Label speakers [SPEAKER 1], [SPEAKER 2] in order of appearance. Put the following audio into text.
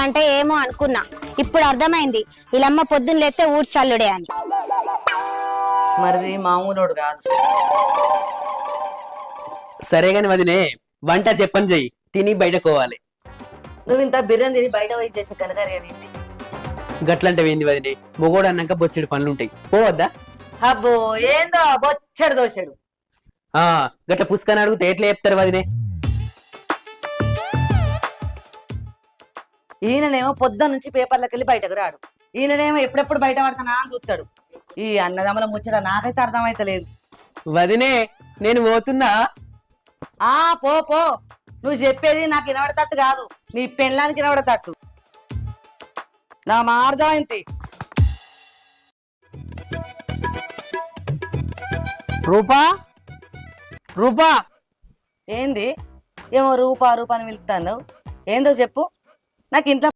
[SPEAKER 1] అంటే ఏమో అనుకున్నా, ఇప్పుడు అర్థమైంది వీళ్ళమ్మ పొద్దున్న లేస్తే ఊడ్చల్లుడే అని.
[SPEAKER 2] మరిది మామూలోడు కాదు.
[SPEAKER 3] సరే గాని వదినే, వంట చెప్పని చెయ్యి, తిని బయటకోవాలి.
[SPEAKER 2] నువ్వు ఇంత బిర్యానీ తిని బయట పోయి చేసే కనకరేమి
[SPEAKER 3] గట్లంటే ఏంది వదినే, మొగోడు అన్నాక బొచ్చెడు పనులుంటాయి, పోవద్దా?
[SPEAKER 2] అబ్బో ఏందో బొచ్చడు దోశాడు.
[SPEAKER 3] గట్ల పుస్తకాన్ని అడిగితే ఎట్లా చెప్తారు వదినే?
[SPEAKER 2] ఈయననేమో పొద్దున్న నుంచి పేపర్లకు వెళ్ళి బయటకు రాడు, ఈయననేమో ఎప్పుడెప్పుడు బయట పడతానా అని చూస్తాడు. ఈ అన్నదమ్ముల ముచ్చట నాకైతే అర్థమైతలేదు.
[SPEAKER 3] వదినే నేను పోతున్నా.
[SPEAKER 2] పో పో, నువ్వు చెప్పేది నాకు వినబడతట్టు కాదు, నీ పెళ్ళానికి వినబడతట్టు. నా అర్థమైంది.
[SPEAKER 3] రూపా రూపా
[SPEAKER 2] ఏంది ఏమో రూపా రూపా అని పిలుస్తాను, ఏందో చెప్పు. నాకు ఇంట్లో